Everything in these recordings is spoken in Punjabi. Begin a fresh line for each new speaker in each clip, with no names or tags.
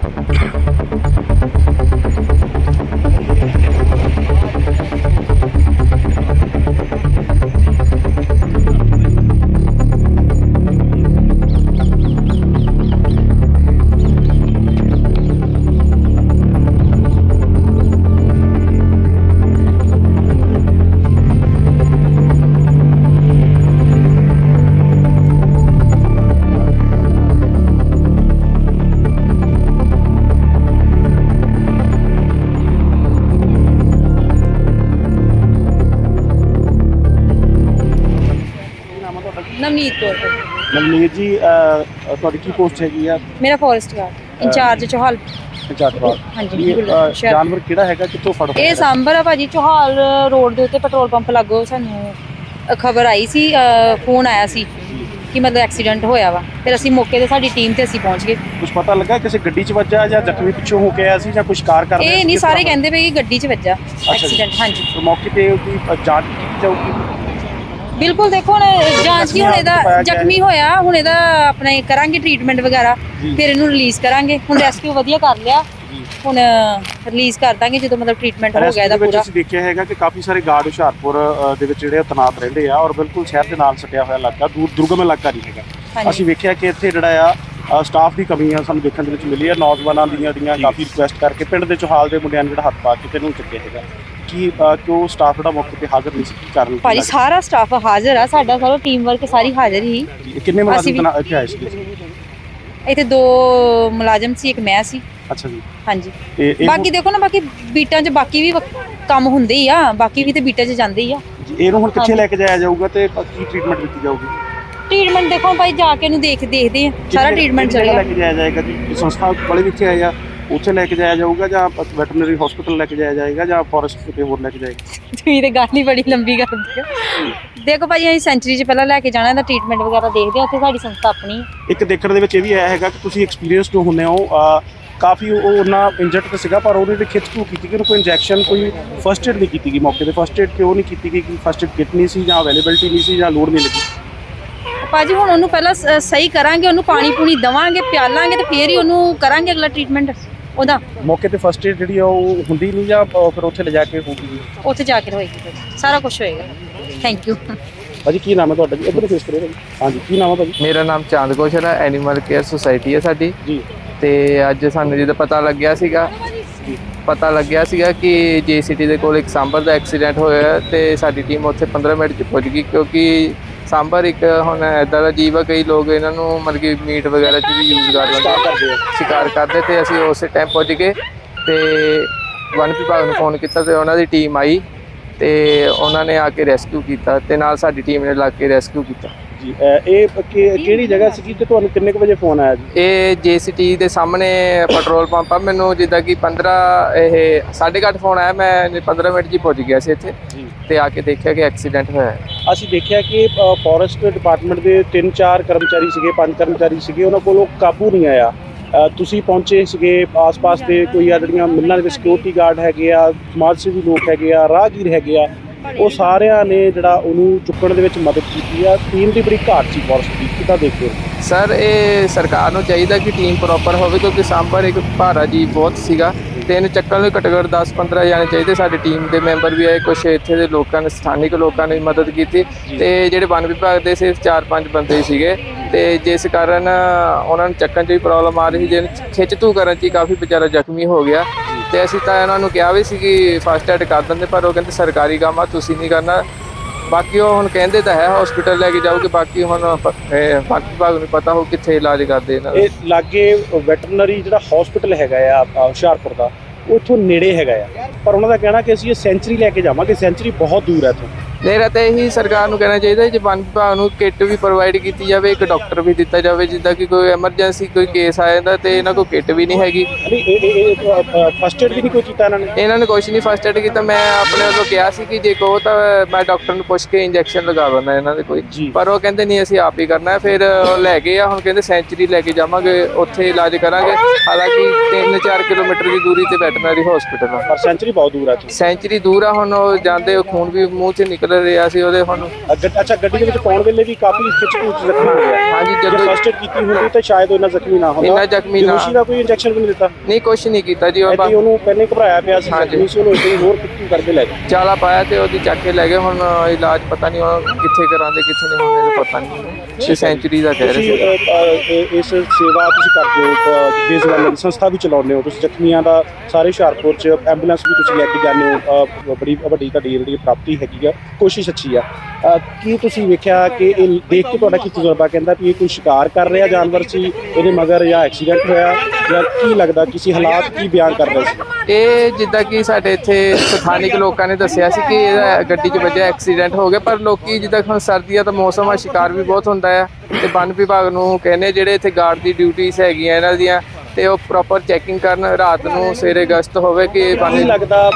ਨਵਨੀਤ ਕੌਰ।
ਨਵਨੀਤ ਜੀ, ਤੁਹਾਡੀ ਕੀ ਪੋਸਟ ਹੈਗੀ ਆ?
ਮੇਰਾ ਫੋਰੈਸਟ ਗਾਰਡ ਇੰਚਾਰਜ ਚੋਹਾਲ। ਹਾਂਜੀ,
ਜਾਨਵਰ ਕਿਹੜਾ ਹੈਗਾ, ਕਿੱਥੋਂ ਫੜ ਹੋਇਆ?
ਇਹ ਸਾਂਭਰ ਆ ਭਾਜੀ, ਚੋਹਾਲ ਰੋਡ ਦੇ ਉੱਤੇ ਪੈਟਰੋਲ ਪੰਪ ਲਾਗੋ ਸਾਨੂੰ ਖਬਰ ਆਈ ਸੀ, ਫੋਨ ਆਇਆ ਸੀ ਕਿ ਮਤਲਬ ਐਕਸੀਡੈਂਟ ਹੋਇਆ ਵਾ। ਫਿਰ ਅਸੀਂ ਮੌਕੇ ਤੇ ਸਾਡੀ ਟੀਮ ਤੇ ਅਸੀਂ ਪਹੁੰਚ ਗਏ।
ਕੁਝ ਪਤਾ ਲੱਗਾ ਕਿਸੇ ਗੱਡੀ 'ਚ ਵੱਜਾ ਜਾਂ ਜ਼ਖਮੀ ਪਿੱਛੋਂ ਹੋ ਕੇ ਆਇਆ ਸੀ ਜਾਂ ਕੁਝ ਕਾਰ ਕਰ ਰਿਹਾ ਸੀ?
ਇਹ ਨਹੀਂ, ਸਾਰੇ ਕਹਿੰਦੇ ਪਏ ਕਿ ਗੱਡੀ 'ਚ ਵੱਜਾ ਐਕਸੀਡੈਂਟ। ਹਾਂਜੀ,
ਮੌਕੇ ਤੇ ਉਹਦੀ ਜਾਂਚ ਕੀਤੀ ਜਾਊਗੀ।
ਬਿਲਕੁਲ। ਦੇਖੋ ਹੁਣ ਜਾਂਚ ਕੀ, ਹੁਣ ਇਹਦਾ ਜ਼ਖਮੀ ਹੋਇਆ, ਹੁਣ ਇਹਦਾ ਆਪਣੇ ਕਰਾਂਗੇ ਟ੍ਰੀਟਮੈਂਟ ਵਗੈਰਾ, ਫਿਰ ਇਹਨੂੰ ਰਿਲੀਜ਼ ਕਰਾਂਗੇ। ਹੁਣ ਰੈਸਕਿਊ ਵਧੀਆ ਕਰ ਲਿਆ, ਹੁਣ ਰਿਲੀਜ਼ ਕਰ ਦਾਂਗੇ ਜਦੋਂ ਮਤਲਬ ਟ੍ਰੀਟਮੈਂਟ ਹੋ ਗਿਆ ਇਹਦਾ ਪੂਰਾ।
ਅਸੀਂ ਦੇਖਿਆ ਹੈਗਾ ਕਿ ਕਾਫੀ ਸਾਰੇ ਗਾਰਡ ਹੁਸ਼ਿਆਰਪੁਰ ਦੇ ਵਿੱਚ ਜਿਹੜੇ ਤੈਨਾਤ ਰਹਿੰਦੇ ਆ ਔਰ ਬਿਲਕੁਲ ਸ਼ਹਿਰ ਦੇ ਨਾਲ ਸਟਿਆ ਹੋਇਆ ਇਲਾਕਾ, ਦੁਰਗਮ ਇਲਾਕਾ ਨਹੀਂ ਹੈਗਾ। ਅਸੀਂ ਵੇਖਿਆ ਕਿ ਇੱਥੇ ਜਿਹੜਾ ਆ ਸਟਾਫ ਦੀ ਕਮੀ ਆ ਸਾਨੂੰ ਦੇਖਣ ਦੇ ਵਿੱਚ ਮਿਲੀ ਆ। ਨੌਜਵਾਨਾਂ ਦੀਆਂ ਕਾਫੀ ਰਿਕੁਐਸਟ ਕਰਕੇ ਪਿੰਡ ਦੇ ਚੋਹਾਲ ਦੇ ਮੁੰਡਿਆਂ ਨੇ ਜਿਹੜਾ ਹੱਥ ਪਾ ਕੇ ਤੈਨੂੰ ਚੱਕਿਆ ਹੈਗਾ ਕਿ ਕਿਉਂ ਸਟਾਫ ਜਿਹੜਾ ਮੌਕੇ ਤੇ ਹਾਜ਼ਰ ਨਹੀਂ ਸੀ ਕਰਨ?
ਭਾਜੀ ਸਾਰਾ ਸਟਾਫ ਹਾਜ਼ਰ ਆ, ਸਾਡਾ ਸਾਰਾ ਟੀਮ ਵਰਕ ਸਾਰੀ ਹਾਜ਼ਰ ਹੀ।
ਕਿੰਨੇ ਮੁਲਾਜ਼ਮ ਇੱਥੇ ਆਏ ਸੀ?
ਇੱਥੇ 2 ਮੁਲਾਜ਼ਮ ਸੀ, ਇੱਕ ਮੈਂ ਸੀ।
ਅੱਛਾ ਜੀ।
ਹਾਂਜੀ, ਬਾਕੀ ਦੇਖੋ ਨਾ, ਬਾਕੀ ਬੀਟਾਂ 'ਚ ਬਾਕੀ ਵੀ ਕੰਮ ਹੁੰਦੇ ਹੀ ਆ, ਬਾਕੀ ਵੀ ਤੇ ਬੀਟਾਂ 'ਚ ਜਾਂਦੇ ਹੀ ਆ।
ਇਹਨੂੰ ਹੁਣ ਕਿੱਥੇ ਲੈ ਕੇ ਜਾਇਆ ਜਾਊਗਾ ਤੇ ਕੀ ਟ੍ਰੀਟਮੈਂਟ ਦਿੱਤੀ ਜਾਊਗੀ?
ਟ੍ਰੀਟਮੈਂਟ ਦੇਖੋ ਭਾਈ ਜਾ ਕੇ ਇਹਨੂੰ ਦੇਖਦੇ ਆ, ਸਾਰਾ ਟ੍ਰੀਟਮੈਂਟ ਚੱਲੇਗਾ।
ਲੈ ਕੇ ਜਾਇਆ ਜਾਏਗਾ ਜੀ? ਸੰਸਥਾ ਵਾਲੇ ਕਿੱਥੇ ਆਏ ਆ, ਉੱਥੇ ਲੈ ਕੇ ਜਾਇਆ ਜਾਊਗਾ ਜਾਂ ਵੈਟਰਨਰੀ ਹਸਪੀਟਲ ਲੈ ਕੇ ਜਾਇਆ ਜਾਏਗਾ ਜਾਂ ਫੋਰੈਸਟ ਕਿਤੇ ਹੋਰ ਲੈ ਕੇ ਜਾਏਗਾ?
ਤੁਸੀਂ ਤੇ ਗੱਲ ਹੀ ਬੜੀ ਲੰਬੀ ਕਰਦੇ ਹੋ। ਦੇਖੋ ਭਾਈ, ਅਸੀਂ ਸੈਂਚਰੀ 'ਚ ਪਹਿਲਾਂ ਲੈ ਕੇ ਜਾਣਾ, ਇਹਦਾ ਟ੍ਰੀਟਮੈਂਟ ਵਗੈਰਾ ਦੇਖਦੇ ਆ, ਉੱਥੇ ਸਾਡੀ ਸੰਸਥਾ ਆਪਣੀ।
ਇੱਕ ਦੇਖਣ ਦੇ ਵਿੱਚ ਇਹ ਵੀ ਆਇਆ ਹੈਗਾ ਕਿ ਤੁਸੀਂ ਐਕਸਪੀਰੀਅੰਸਡ ਹੁੰਦੇ ਹੋ, ਕਾਫੀ ਉਹ ਉਹਨਾਂ ਇੰਜਰਡ ਤਾਂ ਸੀਗਾ ਪਰ ਉਹਦੇ ਤੇ ਖਿੱਚ ਧੂ ਕੀਤੀ ਕਿ ਉਹਨੂੰ ਕੋਈ ਇੰਜੈਕਸ਼ਨ, ਕੋਈ ਫਸਟ ਏਡ ਨਹੀਂ ਕੀਤੀ ਗਈ ਮੌਕੇ ਤੇ। ਫਸਟ ਏਡ ਕਿਉਂ ਨਹੀਂ ਕੀਤੀ ਗਈ? ਕਿ ਫਸਟ ਏਡ ਕਿਟ ਨਹੀਂ ਸੀ ਜਾਂ ਅਵੇਲੇਬਿਲਟੀ ਨਹੀਂ ਸੀ ਜਾਂ ਲੋੜ ਨਹੀਂ ਲੱਗੀ?
ਭਾਜੀ ਹੁਣ ਉਹਨੂੰ ਪਹਿਲਾਂ ਸਹੀ ਕਰਾਂਗੇ, ਉਹਨੂੰ ਪਾਣੀ ਪੂਣੀ ਦੇਵਾਂਗੇ, ਪਿਆਲਾਂਗੇ ਤੇ ਫੇਰ ਹੀ ਉਹਨੂੰ ਕਰਾਂਗੇ ਅਗਲਾ ਟ੍ਰੀਟਮੈਂਟ ਉਹਦਾ।
ਮੌਕੇ ਤੇ ਫਸਟ ਏਡ ਜਿਹੜੀ ਆ ਉਹ ਹੁੰਦੀ ਨਹੀਂ ਜਾਂ ਫਿਰ ਉੱਥੇ ਲਿਜਾ ਕੇ ਹੋਊਗੀ?
ਉੱਥੇ ਜਾ ਕੇ ਹੋਏਗੀ, ਸਾਰਾ ਕੁਝ ਹੋਏਗਾ। ਥੈਂਕ ਯੂ
ਭਾਜੀ। ਕੀ ਨਾਮ ਹੈ ਤੁਹਾਡਾ ਜੀ? ਇੱਧਰ ਫੇਸ ਕਰਿਓ ਭਾਜੀ। ਹਾਂਜੀ, ਕੀ ਨਾਮ ਹੈ ਭਾਜੀ?
ਮੇਰਾ ਨਾਮ ਚਾਂਦ ਕੌਸ਼ਲ ਹੈ, ਐਨੀਮਲ ਕੇਅਰ ਸੁਸਾਇਟੀ ਹੈ ਸਾਡੀ ਜੀ। ਤੇ ਅੱਜ ਸਾਨੂੰ ਜਦੋਂ ਪਤਾ ਲੱਗਿਆ ਸੀਗਾ ਕਿ JCT ਦੇ ਕੋਲ ਇੱਕ ਸਾਂਭਰ ਦਾ ਐਕਸੀਡੈਂਟ ਹੋਇਆ ਤੇ ਸਾਡੀ ਟੀਮ ਉੱਥੇ 15 ਮਿੰਟ 'ਚ ਪਹੁੰਚ ਗਈ, ਕਿਉਂਕਿ ਸਾਂਭਰ ਇੱਕ ਹੁਣ ਇੱਦਾਂ ਦਾ ਜੀਵ ਆ, ਕਈ ਲੋਕ ਇਹਨਾਂ ਨੂੰ ਮਤਲਬ ਕਿ ਮੀਟ ਵਗੈਰਾ 'ਚ ਵੀ ਯੂਜ਼ ਕਰ ਲੈਂਦੇ, ਸ਼ਿਕਾਰ ਕਰਦੇ। ਤੇ ਅਸੀਂ ਉਸੇ ਟਾਈਮ ਪਹੁੰਚ ਗਏ ਤੇ ਵਨ ਵਿਭਾਗ ਨੂੰ ਫੋਨ ਕੀਤਾ ਤੇ ਉਹਨਾਂ ਦੀ ਟੀਮ ਆਈ ਤੇ ਉਹਨਾਂ ਨੇ ਆ ਕੇ ਰੈਸਕਿਊ ਕੀਤਾ ਤੇ ਨਾਲ ਸਾਡੀ ਟੀਮ ਨੇ ਲੱਗ ਕੇ ਰੈਸਕਿਊ ਕੀਤਾ
ਜੀ। ਇਹ ਕਿਹੜੀ ਜਗ੍ਹਾ ਸੀ ਤੇ ਤੁਹਾਨੂੰ ਕਿੰਨੇ ਕੁ ਵਜੇ ਫੋਨ ਆਇਆ ਜੀ?
ਇਹ JCT ਦੇ ਸਾਹਮਣੇ ਪੈਟਰੋਲ ਪੰਪ ਆ। ਮੈਨੂੰ ਜਿੱਦਾਂ ਕਿ 8:30 ਫੋਨ ਆਇਆ, ਮੈਂ 15 ਮਿੰਟ 'ਚ ਹੀ ਪਹੁੰਚ ਗਿਆ ਸੀ ਇੱਥੇ ਤੇ ਆ ਕੇ ਦੇਖਿਆ ਕਿ ਐਕਸੀਡੈਂਟ ਹੋਇਆ।
ਅਸੀਂ ਦੇਖਿਆ ਕਿ ਫੋਰੈਸਟ ਡਿਪਾਰਟਮੈਂਟ ਦੇ 3-4 ਕਰਮਚਾਰੀ ਸੀਗੇ, 5 ਕਰਮਚਾਰੀ ਸੀਗੇ, ਉਹਨਾਂ ਕੋਲੋਂ ਕਾਬੂ ਨਹੀਂ ਆਇਆ। ਤੁਸੀਂ ਪਹੁੰਚੇ ਸੀਗੇ, ਆਸ-ਪਾਸ ਦੇ ਕੋਈ ਆ ਜਿਹੜੀਆਂ ਮਿਲਣਾਂ ਦੇ ਵਿੱਚ ਸਿਕਿਉਰਿਟੀ ਗਾਰਡ ਹੈਗੇ ਆ, ਸਮਾਜ ਸੇਵੀ ਲੋਕ ਹੈਗੇ ਆ, ਰਾਹਗੀਰ ਹੈਗੇ ਆ, ਉਹ ਸਾਰਿਆਂ ਨੇ ਜਿਹੜਾ ਉਹਨੂੰ ਚੁੱਕਣ ਦੇ ਵਿੱਚ ਮਦਦ ਕੀਤੀ ਆ। ਟੀਮ ਦੀ ਬੜੀ ਘਾਟ ਸੀ ਫੋਰੈਸਟ ਦੀ, ਕਿੱਦਾਂ ਦੇਖਦੇ ਹੋ?
ਸਰ, ਇਹ ਸਰਕਾਰ ਨੂੰ ਚਾਹੀਦਾ ਕਿ ਟੀਮ ਪ੍ਰੋਪਰ ਹੋਵੇ, ਕਿਉਂਕਿ ਸਾਂਭਰ ਇੱਕ ਭਾਰਾ ਜੀ ਬਹੁਤ ਸੀਗਾ ਤੇ ਇਹਨੂੰ ਚੱਕਣ ਲਈ ਘੱਟੋ ਘੱਟ 10-15 ਜਾਣੇ ਚਾਹੀਦੇ। ਸਾਡੀ ਟੀਮ ਦੇ ਮੈਂਬਰ ਵੀ ਆਏ, ਕੁਛ ਇੱਥੇ ਦੇ ਲੋਕਾਂ ਨੇ, ਸਥਾਨਿਕ ਲੋਕਾਂ ਨੇ ਮਦਦ ਕੀਤੀ ਤੇ ਜਿਹੜੇ ਵਨ ਵਿਭਾਗ ਦੇ ਸਿਰਫ 4-5 ਬੰਦੇ ਸੀਗੇ ਤੇ ਜਿਸ ਕਾਰਨ ਉਹਨਾਂ ਨੂੰ ਚੱਕਣ 'ਚ ਵੀ ਪ੍ਰੋਬਲਮ ਆ ਰਹੀ ਸੀ, ਜਿਹਨੂੰ ਖਿੱਚ ਧੂ ਕਰਨ 'ਚ ਹੀ ਕਾਫੀ ਵਿਚਾਰਾ ਜ਼ਖਮੀ ਹੋ ਗਿਆ। ਤੇ ਅਸੀਂ ਤਾਂ ਇਹਨਾਂ ਨੂੰ ਕਿਹਾ ਵੀ ਸੀ ਕਿ ਫਸਟ ਐਡ ਕਰ ਦਿੰਦੇ, ਪਰ ਉਹ ਕਹਿੰਦੇ ਸਰਕਾਰੀ ਕੰਮ ਆ, ਤੁਸੀਂ ਨਹੀਂ ਕਰਨਾ। ਬਾਕੀ ਉਹ ਹੁਣ ਕਹਿੰਦੇ ਤਾਂ ਹੈ ਹਸਪੀਟਲ ਲੈ ਕੇ ਜਾਓਗੇ, ਬਾਕੀ ਹੁਣ ਵਨ ਵਿਭਾਗ ਨੂੰ ਪਤਾ ਹੋ ਕਿੱਥੇ ਇਲਾਜ ਕਰਦੇ ਇਹਨਾਂ ਦਾ।
ਇਹ ਲਾਗੇ ਵੈਟਰਨਰੀ ਜਿਹੜਾ ਹਸਪੀਟਲ ਹੈਗਾ ਆ ਹੁਸ਼ਿਆਰਪੁਰ ਦਾ, ਉੱਥੋਂ ਨੇੜੇ ਹੈਗਾ ਆ, ਪਰ ਉਹਨਾਂ ਦਾ ਕਹਿਣਾ ਕਿ ਅਸੀਂ ਇਹ ਸੈਂਚਰੀ ਲੈ ਕੇ ਜਾਵਾਂਗੇ, ਸੈਂਚਰੀ ਬਹੁਤ ਦੂਰ ਹੈ ਇੱਥੋਂ।
ਮੇਰਾ ਤਾਂ ਇਹੀ ਸਰਕਾਰ ਨੂੰ ਕਹਿਣਾ ਚਾਹੀਦਾ ਜੇ ਵਨ ਵਿਭਾਗ ਨੂੰ ਕਿੱਟ ਵੀ ਪ੍ਰੋਵਾਈਡ ਕੀਤੀ ਜਾਵੇ, ਇੱਕ ਡਾਕਟਰ ਵੀ ਦਿੱਤਾ ਜਾਵੇ, ਜਿੱਦਾਂ ਕਿ ਕੋਈ ਐਮਰਜੈਂਸੀ ਕੋਈ ਕੇਸ ਆ ਜਾਂਦਾ ਤੇ ਇਹਨਾਂ ਕੋਲ ਕਿੱਟ ਵੀ ਨਹੀਂ ਹੈਗੀ।
ਫਸਟ ਏਡ ਵੀ ਨਹੀਂ ਕੋਈ ਕੀਤਾ
ਇਹਨਾਂ ਨੇ ਕੁਛ ਨਹੀਂ ਫਸਟ ਏਡ ਕੀਤਾ। ਮੈਂ ਆਪਣੇ ਵੱਲੋਂ ਕਿਹਾ ਸੀ ਕਿ ਜੇ ਕਹੋ ਤਾਂ ਮੈਂ ਡਾਕਟਰ ਨੂੰ ਪੁੱਛ ਕੇ ਇੰਜੈਕਸ਼ਨ ਲਗਾ ਦਿੰਦਾ ਇਹਨਾਂ ਦੇ ਕੋਈ, ਪਰ ਉਹ ਕਹਿੰਦੇ ਨਹੀਂ ਅਸੀਂ ਆਪ ਹੀ ਕਰਨਾ। ਫਿਰ ਲੈ ਗਏ ਆ, ਹੁਣ ਕਹਿੰਦੇ ਸੈਂਚਰੀ ਲੈ ਕੇ ਜਾਵਾਂਗੇ, ਉੱਥੇ ਇਲਾਜ ਕਰਾਂਗੇ। ਹਾਲਾਂਕਿ 3-4 ਕਿਲੋਮੀਟਰ ਦੀ ਦੂਰੀ ਤੇ ਵੈਟਰਨਰੀ ਹਸਪੀਟਲ ਆ,
ਪਰ ਸੈਂਚਰੀ ਬਹੁਤ ਦੂਰ ਆ।
ਸੈਂਚਰੀ ਦੂਰ ਆ, ਹੁਣ ਉਹ ਜਾਂਦੇ ਖੂਨ ਵੀ ਮੂੰਹ 'ਚ ਨਿਕਲ ਰਿਹਾ ਸੀ ਉਹਦੇ ਹੁਣ।
ਅੱਛਾ, ਗੱਡੀ ਦੇ ਵਿੱਚ ਪਾਉਣ ਵੇਲੇ ਵੀ ਕਾਫੀ ਖਿੱਚ-ਖੂਚ ਜ਼ਖਮੀ ਹੋ ਗਿਆ।
ਹਾਂਜੀ,
ਜਦੋਂ
ਜਦੋਂ
ਫਸਟ ਏਡ ਕੀਤੀ ਹੁੰਦੀ ਤਾਂ ਸ਼ਾਇਦ ਉਹ ਇੰਨਾ ਜ਼ਖਮੀ ਨਾ ਹੁੰਦਾ।
ਇੰਨਾ ਜ਼ਖਮੀ ਨਾ,
ਬੇਹੋਸ਼ੀ ਦਾ ਕੋਈ ਇੰਜੈਕਸ਼ਨ ਵੀ ਨਹੀਂ ਦਿੱਤਾ?
ਨਹੀਂ, ਕੁਛ ਨਹੀਂ ਕੀਤਾ ਜੀ।
ਐਡੀ ਉਹਨੂੰ ਪਹਿਲੇ ਘਬਰਾਇਆ ਪਿਆ ਸੀ,
ਹਾਂਜੀ।
ਜ਼ਖਮੀ ਸੀ, ਉਹਨੂੰ ਇੱਕ ਹੋਰ ਕਿੱਥੇ ਕਰਕੇ ਲੈ ਗਏ।
ਚਾਲਾ ਪਾਇਆ ਤੇ ਉਹਦੀ ਚੱਕ ਕੇ ਲੈ ਗਏ। ਹੁਣ ਇਲਾਜ ਪਤਾ ਨਹੀਂ ਉਹ ਕਿੱਥੇ ਕਰਾਉਂਦੇ ਕਿੱਥੇ ਨਹੀਂ ਹੁੰਦੇ, ਪਤਾ ਨਹੀਂ। 6 ਸੈਂਚੁਰੀ ਦਾ ਕਹਿ ਰਹੇ ਸੀ।
ਤੁਸੀਂ ਇਸ ਸੇਵਾ ਤੁਸੀਂ ਕਰਦੇ ਹੋ, ਬੇਜ਼ਬਾਨਾਂ ਦੀ ਸੰਸਥਾ ਵੀ ਚਲਾਉਂਦੇ ਹੋ, ਤੁਸੀਂ ਜ਼ਖਮੀਆਂ ਦਾ ਸਾਰੇ ਹੁਸ਼ਿਆਰਪੁਰ 'ਚ ਐਂਬੂਲੈਂਸ ਵੀ ਤੁਸੀਂ ਲੈ ਕੇ ਜਾਂਦੇ ਹੋ, ਬੜੀ ਵੱਡੀ ਤੁਹਾਡੀ ਜਿਹੜੀ ਪ੍ਰਾਪਤੀ ਹੈਗੀ ਆ, ਕੋਸ਼ਿਸ਼ ਅੱਛੀ ਆ। ਕੀ ਤੁਸੀਂ ਵੇਖਿਆ ਕਿ ਇਹ ਦੇਖ ਕੇ ਤੁਹਾਡਾ ਕੀ ਤਜਰਬਾ ਕਹਿੰਦਾ ਵੀ ਇਹ ਕੋਈ ਸ਼ਿਕਾਰ ਕਰ ਰਿਹਾ ਜਾਨਵਰ ਸੀ ਇਹਦੇ ਮਗਰ, ਜਾਂ ਐਕਸੀਡੈਂਟ ਹੋਇਆ, ਜਾਂ ਕੀ ਲੱਗਦਾ ਕਿਸੇ ਹਾਲਾਤ ਕੀ ਬਿਆਨ ਕਰ ਰਹੇ ਸੀ?
ਇਹ ਜਿੱਦਾਂ ਕਿ ਸਾਡੇ ਇੱਥੇ ਸਥਾਨਿਕ ਲੋਕਾਂ ਨੇ ਦੱਸਿਆ ਸੀ ਕਿ ਇਹਦਾ ਗੱਡੀ 'ਚ ਵੱਜਿਆ, ਐਕਸੀਡੈਂਟ ਹੋ ਗਿਆ। ਪਰ ਲੋਕੀ ਜਿੱਦਾਂ ਹੁਣ ਸਰਦੀਆਂ ਦਾ ਮੌਸਮ ਆ, ਸ਼ਿਕਾਰ ਵੀ ਬਹੁਤ ਹੁੰਦਾ ਆ, ਤੇ ਵਨ ਵਿਭਾਗ ਨੂੰ ਕਹਿੰਦੇ ਜਿਹੜੇ ਇੱਥੇ ਗਾਰਡ ਦੀ ਡਿਊਟੀਆਂ ਹੈਗੀਆਂ ਇਹਨਾਂ ਦੀਆਂ, ਤੇ ਉਹ ਪ੍ਰੋਪਰ ਚੈਕਿੰਗ ਕਰਨ, ਰਾਤ ਨੂੰ ਸਵੇਰੇ ਗਸ਼ਤ ਹੋਵੇ। ਕਿ
ਕੀ ਲੱਗਦਾ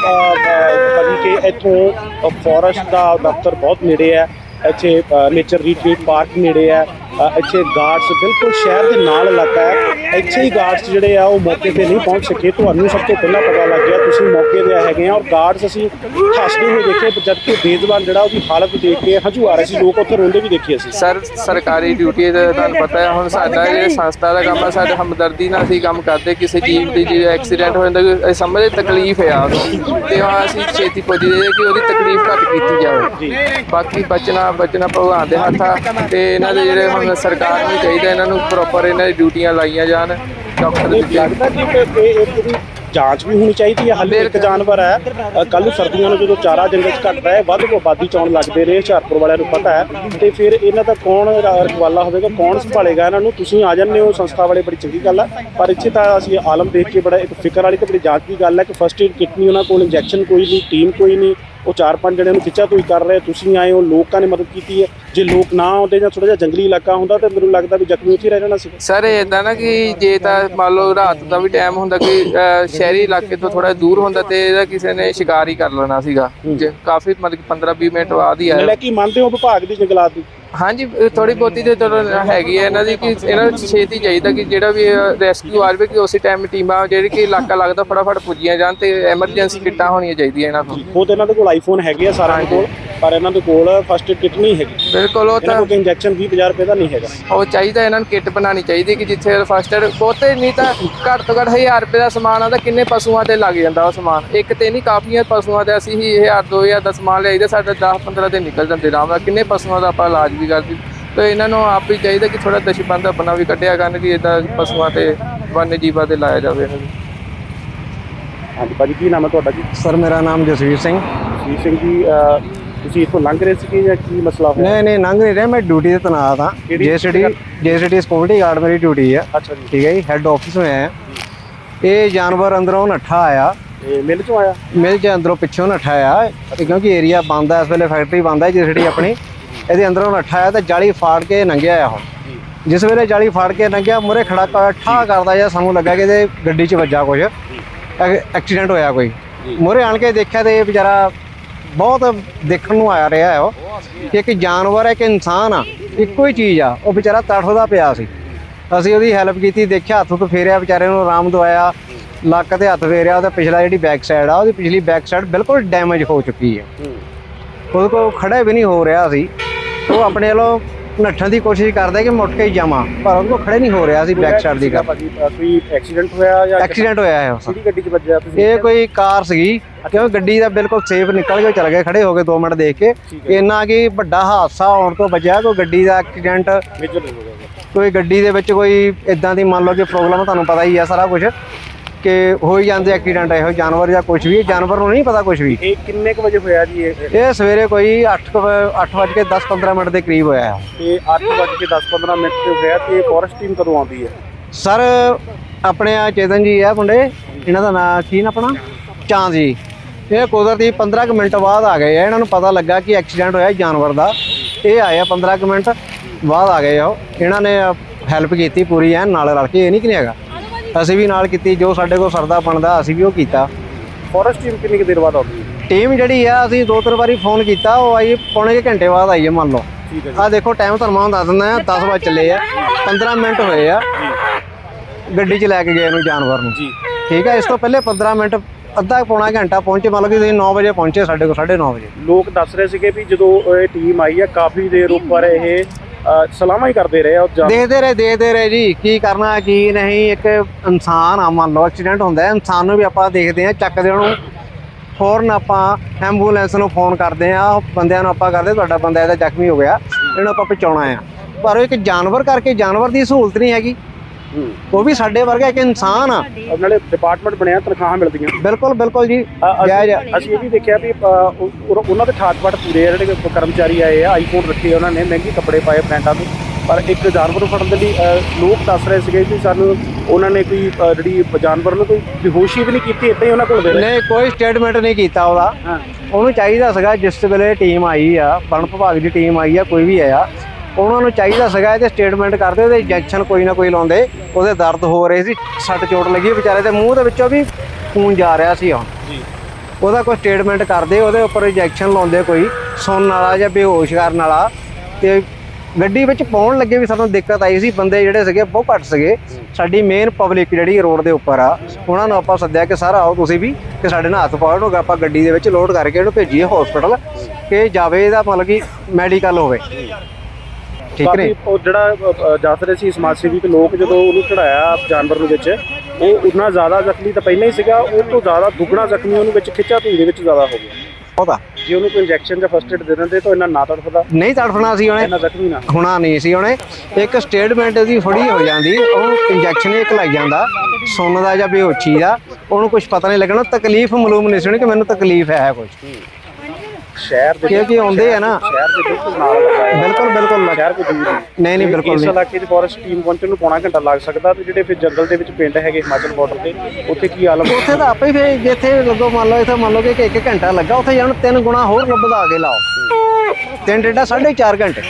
ਭਾਜੀ ਕਿ ਇੱਥੋਂ ਫੋਰੈਸਟ ਦਾ ਦਫ਼ਤਰ ਬਹੁਤ ਨੇੜੇ ਹੈ, ਇੱਥੇ ਨੇਚਰ ਰੀਟਰੀਟ ਪਾਰਕ ਨੇੜੇ ਹੈ, ਇੱਥੇ ਗਾਰਡਸ ਬਿਲਕੁਲ ਸ਼ਹਿਰ ਦੇ ਨਾਲ ਇਲਾਕਾ ਹੈ, ਇੱਥੇ ਹੀ ਗਾਰਡਸ ਜਿਹੜੇ ਆ ਉਹ ਮੌਕੇ ਤੇ ਨਹੀਂ ਪਹੁੰਚ ਸਕੇ। ਤੁਹਾਨੂੰ ਸਭ ਤੋਂ ਪਹਿਲਾਂ ਪਤਾ ਲੱਗ ਗਿਆ, ਤੁਸੀਂ ਮੌਕੇ ਤੇ ਹੈਗੇ ਆ, ਔਰ ਗਾਰਡਸ ਅਸੀਂ ਹੱਸਦੇ ਹੋਏ ਦੇਖੇ, ਜਦਕਿ ਬੇਜ਼ਬਾਨ ਜਿਹੜਾ ਉਹਦੀ ਹਾਲਤ ਦੇਖ ਕੇ ਹੰਝੂ ਆ ਰਹੇ ਸੀ, ਲੋਕ ਉੱਥੇ ਰੋਂਦੇ ਵੀ ਦੇਖੇ ਅਸੀਂ।
ਸਰ, ਸਰਕਾਰੀ ਡਿਊਟੀ ਦਾ ਤੁਹਾਨੂੰ ਪਤਾ ਹੈ, ਹੁਣ ਸਾਡਾ ਜਿਹੜੇ ਸੰਸਥਾ ਦਾ ਕੰਮ ਆ, ਸਾਡੇ ਹਮਦਰਦੀ ਨਾਲ ਅਸੀਂ ਕੰਮ ਕਰਦੇ। ਕਿਸੇ ਚੀਜ਼ ਦੀ ਜੇ ਐਕਸੀਡੈਂਟ ਹੋ ਜਾਂਦਾ, ਅਸੀਂ ਸਮਝਦੇ ਤਕਲੀਫ ਹੈ ਉਹਨੂੰ, ਤੇ ਹਾਂ ਅਸੀਂ ਛੇਤੀ ਪੁੱਜਦੇ ਕਿ ਉਹਦੀ ਤਕਲੀਫ ਘੱਟ ਕੀਤੀ ਜਾਵੇ। ਬਾਕੀ ਬਚਣਾ ਭਗਵਾਨ ਦੇ ਹੱਥ ਆ, ਤੇ ਇਹਨਾਂ ਦੇ ਜਿਹੜੇ ਹੁਣ ਸਰਕਾਰ ਨੂੰ ਚਾਹੀਦਾ ਇਹਨਾਂ ਨੂੰ ਪ੍ਰੋਪਰ ਇਹਨਾਂ ਦੀ ਡਿਊਟੀਆਂ ਲਾਈਆਂ ਜਾਣ। ਡਾਕਟਰ ਦੀ
ਲੱਗਦਾ ਕਿ ਇਹਦੀ ਜਾਂਚ ਵੀ ਹੋਣੀ ਚਾਹੀਦੀ ਹੈ। ਹਾਲੇ ਇੱਕ ਜਾਨਵਰ ਹੈ, ਕੱਲ੍ਹ ਨੂੰ ਸਰਦੀਆਂ ਨੂੰ ਜਦੋਂ ਚਾਰਾ ਜੰਗਲ 'ਚ ਘਟਦਾ ਹੈ, ਵੱਧ ਤੋਂ ਆਬਾਦੀ 'ਚ ਆਉਣ ਲੱਗਦੇ ਨੇ, ਹੁਸ਼ਿਆਰਪੁਰ ਵਾਲਿਆਂ ਨੂੰ ਪਤਾ ਹੈ, ਤੇ ਫਿਰ ਇਹਨਾਂ ਦਾ ਕੌਣ ਰਖਵਾਲਾ ਹੋਵੇਗਾ, ਕੌਣ ਸੰਭਾਲੇਗਾ ਇਹਨਾਂ ਨੂੰ? ਤੁਸੀਂ ਆ ਜਾਂਦੇ ਹੋ ਸੰਸਥਾ ਵਾਲੇ, ਬੜੀ ਚੰਗੀ ਗੱਲ ਹੈ, ਪਰ ਇੱਥੇ ਤਾਂ ਅਸੀਂ ਆਲਮ ਦੇਖ ਕੇ ਬੜਾ ਇੱਕ ਫਿਕਰ ਵਾਲੀ ਤੇ ਬੜੀ ਜਾਂਚ ਦੀ ਗੱਲ ਹੈ ਕਿ ਫਸਟ ਏਡ ਕਿਟ ਨਹੀਂ ਉਹਨਾਂ ਕੋਲ, ਇੰਜੈਕਸ਼ਨ ਕੋਈ ਨਹੀਂ, ਟੀਮ ਕੋਈ ਨਹੀਂ, ਉਹ 4-5 ਜਣਿਆਂ ਨੂੰ ਖਿੱਚਾ ਤੋਈ ਕਰ ਰਹੇ, ਤੁਸੀਂ ਆਏ ਹੋ, ਲੋਕਾਂ ਨੇ ਮਦਦ ਕੀਤੀ ਹੈ। ਜੇ ਲੋਕ ਨਾ ਆਉਂਦੇ ਜਾਂ ਥੋੜਾ ਜਿਹਾ ਜੰਗਲੀ ਇਲਾਕਾ ਹੁੰਦਾ ਤਾਂ ਮੈਨੂੰ ਲੱਗਦਾ ਵੀ ਜ਼ਖਮੀ ਉੱਥੇ ਰਹਿ ਜਾਣਾ ਸੀ।
ਸਰ ਇੱਦਾਂ ਨਾ ਕਿ ਜੇ ਤਾਂ ਮੰਨ ਲਓ ਰਾਤ ਦਾ ਵੀ ਟਾਈਮ ਹੁੰਦਾ, ਕਿ ਸ਼ਹਿਰੀ ਇਲਾਕੇ ਤੋਂ ਥੋੜਾ ਦੂਰ ਹੁੰਦਾ, ਤੇ ਇਹਦਾ ਕਿਸੇ ਨੇ ਸ਼ਿਕਾਰ ਹੀ ਕਰ ਲੈਣਾ ਸੀਗਾ। ਕਾਫੀ ਮਤਲਬ 15-20 ਮਿੰਟ ਬਾਅਦ ਹੀ ਆਇਆ।
ਲੈ ਕੀ ਮੰਨਦੇ ਹੋ ਵਿਭਾਗ ਦੀ ਜੰਗਲਾਤ ਦੀ?
ਹਾਂਜੀ, ਥੋੜੀ ਬਹੁਤੀ ਤੇ ਚਲੋ ਹੈਗੀ ਹੈ ਇਹਨਾਂ ਦੀ, ਕਿ ਇਹਨਾਂ ਨੂੰ ਛੇਤੀ ਚਾਹੀਦਾ ਕਿ ਜਿਹੜਾ ਵੀ ਰੈਸਕਿਊ ਆ ਜਾਵੇ, ਕਿ ਉਸੇ ਟਾਈਮ ਟੀਮਾਂ ਜਿਹੜੀ ਕਿ ਇਲਾਕਾ ਲੱਗਦਾ ਫਟਾਫਟ ਪੁੱਜੀਆਂ ਜਾਣ, ਤੇ ਐਮਰਜੈਂਸੀ ਕਿੱਟਾਂ ਹੋਣੀਆਂ ਚਾਹੀਦੀਆਂ ਇਹਨਾਂ ਕੋਲ।
ਖੁਦ ਇਹਨਾਂ ਦੇ ਕੋਲ ਆਈਫੋਨ ਹੈਗੇ ਆ ਸਾਰਿਆਂ ਕੋਲ, ਪਰ ਇਹਨਾਂ ਦੇ ਕੋਲ ਫਸਟ ਏਡ ਕਿਟ ਨਹੀਂ ਹੈਗੀ।
ਬਿਲਕੁਲ, ਉਹ ਤਾਂ
ਇੰਜੈਕਸ਼ਨ 20-50 ਰੁਪਏ ਦਾ ਨਹੀਂ ਹੈਗਾ।
ਉਹ ਚਾਹੀਦਾ ਇਹਨਾਂ ਨੂੰ ਕਿੱਟ ਬਣਾਉਣੀ ਚਾਹੀਦੀ, ਕਿ ਜਿੱਥੇ ਫਸਟ ਏਡ ਬਹੁਤੇ ਨਹੀਂ ਤਾਂ ਘੱਟ ਤੋਂ ਘੱਟ 1000 ਰੁਪਏ ਦਾ ਸਮਾਨ ਆਉਂਦਾ, ਕਿੰਨੇ ਪਸ਼ੂਆਂ ਤੇ ਲੱਗ ਜਾਂਦਾ ਉਹ ਸਮਾਨ। ਇੱਕ ਤੇ ਨਹੀਂ, ਕਾਫੀਆਂ ਪਸ਼ੂਆਂ ਤੇ ਅਸੀਂ ਹੀ 1000-2000 ਦਾ ਸਮਾਨ ਲਿਆਈਦਾ, ਸਾਡਾ 10-15 ਦਿਨ ਨਿਕਲ ਜਾਂਦੇ ਆਰਾਮ ਨਾਲ। ਕਿੰਨੇ ਪਸ਼ੂਆਂ ਦਾ ਆਪਾਂ ਇਲਾਜ ਵੀ ਕਰਦੇ। ਤੇ ਇਹਨਾਂ ਨੂੰ ਆਪ ਹੀ ਚਾਹੀਦਾ ਕਿ ਥੋੜਾ ਦਸ਼ਬੰਦ ਆਪਣਾ ਵੀ ਕੱਢਿਆ ਕਰਨ, ਕਿ ਇੱਦਾਂ ਪਸ਼ੂਆਂ ਤੇ ਵન્ય ਜੀਵਾਂ ਤੇ ਲਾਇਆ ਜਾਵੇ ਇਹਨਾਂ ਨੂੰ।
ਹਾਂਜੀ ਭਾਜੀ, ਕੀ ਨਾਮ ਹੈ ਤੁਹਾਡਾ ਜੀ?
ਸਰ, ਮੇਰਾ ਨਾਮ ਜਸਵੀਰ ਸਿੰਘ।
ਜਸਵੀਰ ਸਿੰਘ ਜੀ, ਤੁਸੀਂ ਇੱਥੋਂ ਲੰਘ ਰਹੇ ਸੀਗੇ ਜਾਂ ਕੀ ਮਸਲਾ ਹੋਇਆ?
ਨਹੀਂ, ਲੰਘ ਨਹੀਂ ਰਿਹਾ, ਮੈਂ ਡਿਊਟੀ ਤੇ ਤੈਨਾਤ ਹਾਂ। ਜੇਸੀਡੀ ਸਿਕਿਉਰਿਟੀ ਗਾਰਡ ਮੇਰੀ ਡਿਊਟੀ ਆ।
ਅੱਛਾ ਜੀ,
ਠੀਕ ਹੈ ਜੀ, ਹੈੱਡ ਆਫਿਸ में ਆਇਆ। ਇਹ ਜਾਨਵਰ ਅੰਦਰੋਂ ਨੱਠਾ ਆਇਆ,
ਇਹ ਮਿਲ ਚੋਂ ਆਇਆ?
ਮਿਲ 'ਚ ਅੰਦਰੋਂ ਪਿੱਛੋਂ ਨੱਠਾ ਆਇਆ, ਕਿਉਂਕਿ ਏਰੀਆ ਬੰਦ ਹੈ ਇਸ ਵੇਲੇ, ਫੈਕਟਰੀ ਬੰਦ ਹੈ ਜੇਸੀਡੀ ਆਪਣੀ। ਇਹਦੇ ਅੰਦਰੋਂ ਨੱਠਾ ਆਇਆ ਤੇ ਜਾਲੀ ਫਾੜ ਕੇ ਲੰਘਿਆ ਉਹ। ਜਿਸ ਵੇਲੇ ਜਾਲੀ ਫਾੜ ਕੇ ਲੰਘਿਆ, ਮੂਹਰੇ ਖੜਾ ਠਾ ਕਰਦਾ ਜਾਂ ਸਾਨੂੰ ਲੱਗਾ ਕਿ ਇਹਦੇ ਗੱਡੀ 'ਚ ਵੱਜਾ ਕੁਝ, ਐਕਸੀਡੈਂਟ ਹੋਇਆ ਕੋਈ। ਮੂਹਰੇ ਆਣ ਕੇ ਦੇਖਿਆ ਤੇ ਇਹ ਵਿਚਾਰਾ ਬਹੁਤ ਦੇਖਣ ਨੂੰ ਆ ਰਿਹਾ ਹੈ ਉਹ, ਕਿ ਇੱਕ ਜਾਨਵਰ ਹੈ, ਇੱਕ ਇਨਸਾਨ ਆ, ਇੱਕੋ ਹੀ ਚੀਜ਼ ਆ। ਉਹ ਵਿਚਾਰਾ ਤੜਫਦਾ ਪਿਆ ਸੀ, ਅਸੀਂ ਉਹਦੀ ਹੈਲਪ ਕੀਤੀ, ਦੇਖਿਆ, ਹੱਥ ਤੋਂ ਫੇਰਿਆ, ਵਿਚਾਰੇ ਨੂੰ ਆਰਾਮ ਦਵਾਇਆ, ਲੱਕ ਤੇ ਹੱਥ ਫੇਰਿਆ। ਉਹਦਾ ਪਿਛਲਾ ਜਿਹੜੀ ਬੈਕ ਸਾਈਡ ਆ, ਉਹਦੀ ਪਿਛਲੀ ਬੈਕ ਸਾਈਡ ਬਿਲਕੁਲ ਡੈਮੇਜ ਹੋ ਚੁੱਕੀ ਹੈ, ਉਹਦੇ ਕੋਲ ਖੜਾ ਵੀ ਨਹੀਂ ਹੋ ਰਿਹਾ ਸੀ। ਉਹ ਆਪਣੇ ਵੱਲੋਂ ਨੱਠਣ ਦੀ ਕੋਸ਼ਿਸ਼ ਕਰਦਾ ਕਿ ਮੁੱਟ ਕੇ ਹੀ ਜਾਵਾਂ, ਪਰ ਉਹਦੇ ਕੋਲ ਖੜੇ ਨਹੀਂ ਹੋ ਰਿਹਾ ਸੀ ਬੈਕ ਸਾਈਡ ਦੀ ਗੱਲ।
ਕੋਈ ਐਕਸੀਡੈਂਟ ਹੋਇਆ ਜਾਂ
ਐਕਸੀਡੈਂਟ ਹੋਇਆ ਹੈ।
ਕਿਹੜੀ ਗੱਡੀ 'ਚ ਵੱਜਿਆ ਤੁਸੀਂ?
ਇਹ ਕੋਈ ਕਾਰ ਸੀਗੀ, ਕਿਉਂਕਿ ਗੱਡੀ ਦਾ ਬਿਲਕੁਲ ਸੇਫ ਨਿਕਲ ਕੇ ਚਲ ਗਏ, ਖੜੇ ਹੋ ਗਏ 2 ਮਿੰਟ ਦੇਖ ਕੇ। ਇੰਨਾ ਕਿ ਵੱਡਾ ਹਾਦਸਾ ਹੋਣ ਤੋਂ ਬਚਿਆ, ਕੋਈ ਗੱਡੀ ਦਾ ਐਕਸੀਡੈਂਟ, ਕੋਈ ਗੱਡੀ ਦੇ ਵਿੱਚ ਕੋਈ ਇਦਾਂ ਦੀ ਮੰਨ ਲਓ ਕਿ ਪ੍ਰੋਬਲਮ, ਤੁਹਾਨੂੰ ਪਤਾ ਹੀ ਆ ਸਾਰਾ ਕੁਝ, ਕਿ ਹੋ ਹੀ ਜਾਂਦੇ ਐਕਸੀਡੈਂਟ ਇਹੋ ਜਾਨਵਰ ਜਾਂ ਕੁਝ ਵੀ, ਜਾਨਵਰ ਨੂੰ ਨਹੀਂ ਪਤਾ ਕੁਝ ਵੀ।
ਇਹ ਕਿੰਨੇ ਕੁ ਵਜੇ ਹੋਇਆ ਜੀ?
ਇਹ ਸਵੇਰੇ ਕੋਈ 8:10-15 ਮਿੰਟ ਦੇ ਕਰੀਬ ਹੋਇਆ ਹੈ।
ਇਹ 8:10-15 ਮਿੰਟ ਤੇ ਹੋਇਆ। ਤੇ ਫੋਰੈਸਟ ਟੀਮ ਕਦੋਂ ਆਉਂਦੀ ਹੈ?
ਸਰ, ਆਪਣੇ ਆ ਚੇਤਨ ਜੀ ਆ ਮੁੰਡੇ, ਇਹਨਾਂ ਦਾ ਨਾਂ ਕੀ ਨਾ ਆਪਣਾ ਚਾਂਦ ਜੀ, ਇਹ ਕੁਦਰਤੀ 15 ਕੁ ਮਿੰਟ ਬਾਅਦ ਆ ਗਏ ਆ। ਇਹਨਾਂ ਨੂੰ ਪਤਾ ਲੱਗਾ ਕਿ ਐਕਸੀਡੈਂਟ ਹੋਇਆ ਜਾਨਵਰ ਦਾ, ਇਹ ਆਏ ਆ 15 ਕੁ ਮਿੰਟ ਬਾਅਦ ਆ ਗਏ ਆ। ਇਹਨਾਂ ਨੇ ਹੈਲਪ ਕੀਤੀ ਪੂਰੀ ਐਨ ਨਾਲ ਰਲ ਕੇ, ਇਹ ਨਹੀਂ ਕਿ ਨਹੀਂ ਹੈਗਾ, ਅਸੀਂ ਵੀ ਨਾਲ ਕੀਤੀ, ਜੋ ਸਾਡੇ ਕੋਲ ਸਰਦਾ ਬਣਦਾ ਅਸੀਂ ਵੀ ਉਹ ਕੀਤਾ।
ਫੋਰੈਸਟ ਟੀਮ ਕਿੰਨੀ ਕੁ ਦੇਰ ਬਾਅਦ ਆਉਂਦੀ ਹੈ?
ਟੀਮ ਜਿਹੜੀ ਆ, ਅਸੀਂ 2-3 ਵਾਰੀ ਫੋਨ ਕੀਤਾ, ਉਹ ਆਈ ਪੌਣੇ ਘੰਟੇ ਬਾਅਦ ਆਈ ਹੈ ਮੰਨ ਲਓ। ਆ ਦੇਖੋ ਟਾਈਮ ਤੁਹਾਨੂੰ ਮੈਂ ਦੱਸ ਦਿੰਦਾ, 10 ਵਜੇ ਚੱਲੇ ਆ, 15 ਮਿੰਟ ਹੋਏ ਆ ਗੱਡੀ 'ਚ ਲੈ ਕੇ ਗਏ ਨੂੰ ਜਾਨਵਰ ਨੂੰ। ਠੀਕ ਹੈ, ਇਸ ਤੋਂ ਪਹਿਲੇ 15 ਮਿੰਟ ਅੱਧਾ ਪੌਣਾ ਘੰਟਾ ਪਹੁੰਚੇ, ਮਤਲਬ ਕਿ ਤੁਸੀਂ 9 ਵਜੇ ਪਹੁੰਚੇ ਸਾਡੇ ਕੋਲ, 9:30 ਵਜੇ।
ਲੋਕ ਦੱਸ ਰਹੇ ਸੀਗੇ ਵੀ ਜਦੋਂ ਇਹ ਟੀਮ ਆਈ ਆ ਕਾਫੀ ਦੇਰ ਉੱਪਰ ਇਹ ਸਲਾਮਾਂ ਹੀ ਕਰਦੇ ਰਹੇ ਔਰ
ਦੇਖਦੇ ਰਹੇ ਜੀ, ਕੀ ਕਰਨਾ ਕੀ ਨਹੀਂ। ਇੱਕ ਇਨਸਾਨ ਆ, ਮੰਨ ਲਓ ਐਕਸੀਡੈਂਟ ਹੁੰਦਾ ਹੈ, ਇਨਸਾਨ ਨੂੰ ਵੀ ਆਪਾਂ ਦੇਖਦੇ ਹਾਂ, ਚੱਕਦੇ ਉਹਨੂੰ, ਫੌਰਨ ਆਪਾਂ ਐਂਬੂਲੈਂਸ ਨੂੰ ਫੋਨ ਕਰਦੇ ਆ, ਬੰਦਿਆਂ ਨੂੰ ਆਪਾਂ ਕਰਦੇ ਤੁਹਾਡਾ ਬੰਦਾ ਇਹਦਾ ਜ਼ਖਮੀ ਹੋ ਗਿਆ, ਇਹਨੂੰ ਆਪਾਂ ਪਹੁੰਚਾਉਣਾ ਆ। ਪਰ ਉਹ ਇੱਕ ਜਾਨਵਰ ਕਰਕੇ ਜਾਨਵਰ ਦੀ ਸਹੂਲਤ ਨਹੀਂ ਹੈਗੀ, ਉਹ ਵੀ ਸਾਡੇ ਵਰਗਾ ਇੱਕ ਇਨਸਾਨ ਆ।
ਨਾਲੇ ਡਿਪਾਰਟਮੈਂਟ ਬਣਿਆ, ਤਨਖਾਹਾਂ ਮਿਲਦੀਆਂ।
ਬਿਲਕੁਲ ਜੀ।
ਅਸੀਂ ਇਹ ਵੀ ਦੇਖਿਆ ਵੀ ਉਹਨਾਂ ਦੇ ਠਾਠ-ਬਾਠ ਪੂਰੇ ਆ, ਜਿਹੜੇ ਕਰਮਚਾਰੀ ਆਏ ਆ, ਆਈਫੋਨ ਰੱਖੇ ਉਹਨਾਂ ਨੇ, ਮਹਿੰਗੇ ਕੱਪੜੇ ਪਾਏ ਬ੍ਰਾਂਡਾਂ ਦੇ, ਪਰ ਇੱਕ ਜਾਨਵਰ ਨੂੰ ਫੜਨ ਦੇ ਲਈ ਲੋਕ ਦੱਸ ਰਹੇ ਸੀਗੇ ਕਿ ਸਾਨੂੰ ਉਹਨਾਂ ਨੇ ਕੋਈ ਜਿਹੜੀ ਜਾਨਵਰ ਨੂੰ ਕੋਈ ਬੇਹੋਸ਼ੀ ਵੀ ਨਹੀਂ ਕੀਤੀ, ਇੱਦਾਂ ਹੀ ਉਹਨਾਂ ਕੋਲ ਦੇ
ਨਹੀਂ, ਕੋਈ ਸਟੇਟਮੈਂਟ ਨਹੀਂ ਕੀਤਾ ਉਹਦਾ। ਉਹਨੂੰ ਚਾਹੀਦਾ ਸੀਗਾ ਜਿਸ ਵੇਲੇ ਟੀਮ ਆਈ ਆ, ਵਣ ਵਿਭਾਗ ਦੀ ਟੀਮ ਆਈ ਆ, ਕੋਈ ਵੀ ਆਇਆ, ਉਹਨਾਂ ਨੂੰ ਚਾਹੀਦਾ ਸੀਗਾ ਇਹਦੇ ਸਟੇਟਮੈਂਟ ਕਰਦੇ, ਉਹਦੇ ਇੰਜੈਕਸ਼ਨ ਕੋਈ ਨਾ ਕੋਈ ਲਾਉਂਦੇ, ਉਹਦੇ ਦਰਦ ਹੋ ਰਹੇ ਸੀ, ਸੱਟ ਚੋਟ ਲੱਗੀ ਵਿਚਾਰੇ ਦੇ ਮੂੰਹ ਦੇ ਵਿੱਚੋਂ ਵੀ ਖੂਨ ਜਾ ਰਿਹਾ ਸੀ ਹੁਣ, ਉਹਦਾ ਕੋਈ ਸਟੇਟਮੈਂਟ ਕਰਦੇ, ਉਹਦੇ ਉੱਪਰ ਇੰਜੈਕਸ਼ਨ ਲਾਉਂਦੇ, ਕੋਈ ਸੁਣਨ ਵਾਲਾ ਜਾਂ ਬੇਹੋਸ਼ ਕਰਨ ਵਾਲਾ। ਤੇ ਗੱਡੀ ਵਿੱਚ ਪਾਉਣ ਲੱਗੇ ਵੀ ਸਾਨੂੰ ਦਿੱਕਤ ਆਈ ਸੀ, ਬੰਦੇ ਜਿਹੜੇ ਸੀਗੇ ਬਹੁਤ ਘੱਟ ਸੀਗੇ। ਸਾਡੀ ਮੇਨ ਪਬਲਿਕ ਜਿਹੜੀ ਰੋਡ ਦੇ ਉੱਪਰ ਆ, ਉਹਨਾਂ ਨੂੰ ਆਪਾਂ ਸੱਦਿਆ ਕਿ ਸਰ ਆਓ ਤੁਸੀਂ ਵੀ, ਕਿ ਸਾਡੇ ਨਾਲ ਹੱਥ ਪਾਓ, ਆਪਾਂ ਗੱਡੀ ਦੇ ਵਿੱਚ ਲੋਡ ਕਰਕੇ ਇਹਨੂੰ ਭੇਜੀਏ ਹਸਪੀਟਲ, ਕਿ ਜਾਵੇ ਇਹਦਾ ਮਤਲਬ ਕਿ ਮੈਡੀਕਲ ਹੋਵੇ, ਠੀਕ ਨੇ।
ਉਹ ਜਿਹੜਾ ਦੱਸ ਰਹੇ ਸੀ ਸਮਾਜ ਸੇਵੀ ਲੋਕ, ਜਦੋਂ ਉਹਨੂੰ ਚੜਾਇਆ ਜਾਨਵਰ ਨੂੰ ਵਿੱਚ, ਉਹ ਉਨਾ ਜ਼ਿਆਦਾ ਜ਼ਖਮੀ ਤਾਂ ਪਹਿਲਾਂ ਹੀ ਸੀਗਾ, ਉਹ ਤੋਂ ਜ਼ਿਆਦਾ ਦੁੱਗਣਾ ਜ਼ਖਮੀ ਉਹਨੂੰ ਵਿੱਚ ਖਿੱਚਾ ਧੂਈ ਦੇ ਵਿੱਚ ਜ਼ਿਆਦਾ ਹੋ ਗਿਆ।
ਉਹਦਾ
ਜੇ ਉਹਨੂੰ ਕੋਈ ਇੰਜੈਕਸ਼ਨ ਜਾਂ ਫਸਟ ਏਡ ਦੇ ਦਿੰਦੇ ਤਾਂ ਇਹਨਾਂ ਨਾ ਤੜਫਦਾ,
ਨਹੀਂ ਤੜਫਣਾ ਸੀ ਉਹਨੇ,
ਇਹਨਾਂ ਜ਼ਖਮੀ ਨਾ
ਹੋਣਾ ਨਹੀਂ ਸੀ ਉਹਨੇ। ਇੱਕ ਸਟੇਟਮੈਂਟ ਦੀ ਫੜੀ ਹੋ ਜਾਂਦੀ, ਉਹਨੂੰ ਇੰਜੈਕਸ਼ਨ ਇੱਕ ਲੱਗ ਜਾਂਦਾ ਸੁੰਨ ਦਾ ਜਾਂ ਬੇਹੋਸ਼ੀ ਦਾ, ਉਹਨੂੰ ਕੁਝ ਪਤਾ ਨਹੀਂ ਲੱਗਣਾ, ਤਕਲੀਫ ਮਾਲੂਮ ਨਹੀਂ ਸੀ ਕਿ ਮੈਨੂੰ ਤਕਲੀਫ ਹੈ ਕੁਝ।
ਸ਼ਹਿਰ ਦੇ
ਕਿਉਂਕਿ ਆਉਂਦੇ ਆ ਨਾ,
ਸ਼ਹਿਰ ਦੇ ਬਿਲਕੁਲ ਨਾਲ ਲੱਗਾ ਹੈ।
ਬਿਲਕੁਲ
ਸ਼ਹਿਰ ਕੋਈ ਦੂਰ
ਨਹੀਂ ਬਿਲਕੁਲ
ਇਸ
ਨਹੀਂ।
ਇਲਾਕੇ 'ਚ ਫੋਰੈਸਟ ਟੀਮ ਪਹੁੰਚਣ ਨੂੰ ਪੌਣਾ ਘੰਟਾ ਲੱਗ ਸਕਦਾ, ਤੇ ਜਿਹੜੇ ਫਿਰ ਜੰਗਲ ਦੇ ਵਿੱਚ ਪਿੰਡ ਹੈਗੇ ਹਿਮਾਚਲ ਬਾਰਡਰ ਤੇ, ਉੱਥੇ ਕੀ ਆਲਮ?
ਉੱਥੇ ਤਾਂ ਆਪੇ ਫਿਰ ਜਿੱਥੇ ਲੱਗੋ, ਮੰਨ ਲਓ ਇੱਥੇ ਮੰਨ ਲਓ ਕਿ 1 ਘੰਟਾ ਲੱਗਾ, ਉੱਥੇ ਜਾਣ 3 ਗੁਣਾ ਹੋਰ ਵਧਾ ਕੇ ਲਾਓ, 3 ਡੇਢਾ 4.5 ਘੰਟੇ।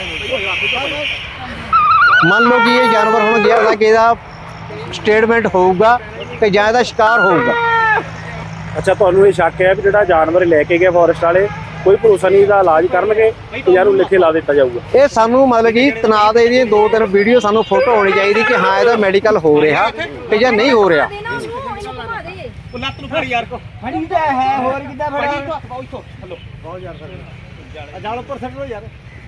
ਮੰਨ ਲਓ ਕਿ ਇਹ ਜਾਨਵਰ ਹੁਣ ਗਿਆ ਤਾਂ ਕਿ ਇਹਦਾ ਸਟੇਟਮੈਂਟ ਹੋਊਗਾ ਕਿ ਜਾਂ ਇਹਦਾ ਸ਼ਿਕਾਰ ਹੋਊਗਾ।
ਅੱਛਾ, ਤੁਹਾਨੂੰ ਇਹ ਸ਼ੱਕ ਹੈ ਵੀ ਜਿਹੜਾ ਜਾਨਵਰ ਲੈ ਕੇ ਗਏ ਫੋਰੈਸਟ ਵਾਲੇ, ਕੋਈ ਭਰੋਸਾ ਨਹੀਂ ਇਹਦਾ ਇਲਾਜ ਕਰਨਗੇ ਤੇ ਯਾਰ ਉਹ ਲਿਖੇ ਲਾ ਦਿੱਤਾ ਜਾਊਗਾ?
ਇਹ ਸਾਨੂੰ ਮਤਲਬ ਕਿ ਤਣਾਅ ਦੇ ਇਹਦੀਆਂ 2-3 ਵੀਡੀਓ ਸਾਨੂੰ ਫੋਟੋ ਹੋਣੀ ਚਾਹੀਦੀ ਕਿ ਹਾਂ ਇਹਦਾ ਮੈਡੀਕਲ ਹੋ ਰਿਹਾ ਤੇ ਜਾਂ ਨਹੀਂ ਹੋ ਰਿਹਾ।
ਲੱਤ ਨੂੰ ਫੜ ਯਾਰ ਕੋ ਫੜੀ ਤਾਂ ਹੈ, ਹੋਰ ਕਿੱਦਾਂ ਫੜਾ ਇੱਥੋਂ ਹਲੋ ਬਹੁਤ ਯਾਰ ਸਰ ਜਾਲ ਉੱਪਰ ਸੱਟ ਲੋ ਯਾਰ।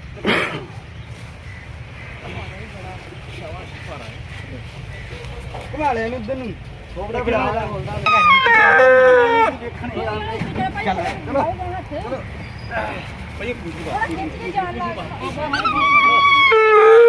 ਘੁਮਾ ਲੈ ਇਹਨੂੰ ਉਧਰ ਨੂੰ, ਥੋੜਾ ਫੜਾ ਚੱਲ ਚਲੋ ਭਾਈ